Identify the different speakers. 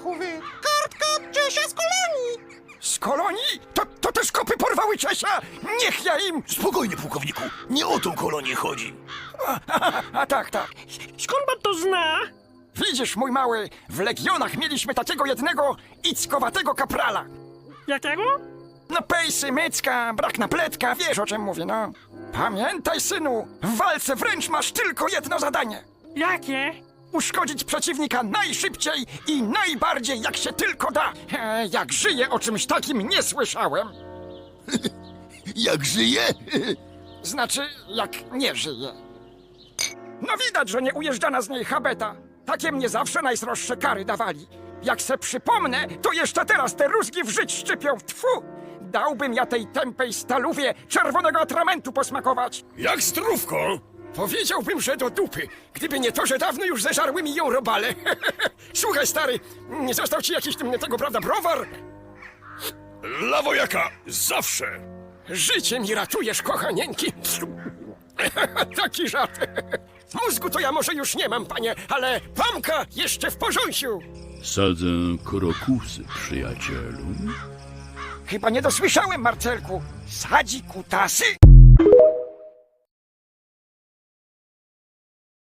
Speaker 1: Stachowy. Kartka Czesia z kolonii.
Speaker 2: Z kolonii? To też kopy porwały Czesia? Niech ja im...
Speaker 3: Spokojnie, pułkowniku, nie o tą kolonię chodzi.
Speaker 2: A tak.
Speaker 1: Skąd pan to zna?
Speaker 2: Widzisz, mój mały, w Legionach mieliśmy takiego jednego ickowatego kaprala.
Speaker 1: Jakiego?
Speaker 2: No pejsy, mycka, brak napletka, wiesz o czym mówię, no. Pamiętaj, synu, w walce wręcz masz tylko jedno zadanie.
Speaker 1: Jakie?
Speaker 2: Uszkodzić przeciwnika najszybciej i najbardziej jak się tylko da. Jak żyję, o czymś takim nie słyszałem.
Speaker 3: Jak żyje?
Speaker 2: Znaczy, jak nie żyje. No widać, że nie ujeżdżana z niej habeta. Takie mnie zawsze najsroższe kary dawali. Jak se przypomnę, to jeszcze teraz te rózgi w żyć szczypią. Tfu! Dałbym ja tej tępej stalówie czerwonego atramentu posmakować.
Speaker 3: Jak zdrówko?
Speaker 2: Powiedziałbym, że do dupy, gdyby nie to, że dawno już zeżarły mi ją robale. Słuchaj, stary, nie został ci jakiś tego, prawda, browar?
Speaker 3: Dla wojaka zawsze.
Speaker 2: Życie mi ratujesz, kochanieńki. Taki żart. Mózgu to ja może już nie mam, panie, ale pamka jeszcze w porząsiu.
Speaker 4: Sadzę krokusy, przyjacielu.
Speaker 2: Chyba nie dosłyszałem, Marcelku. Sadzi kutasy?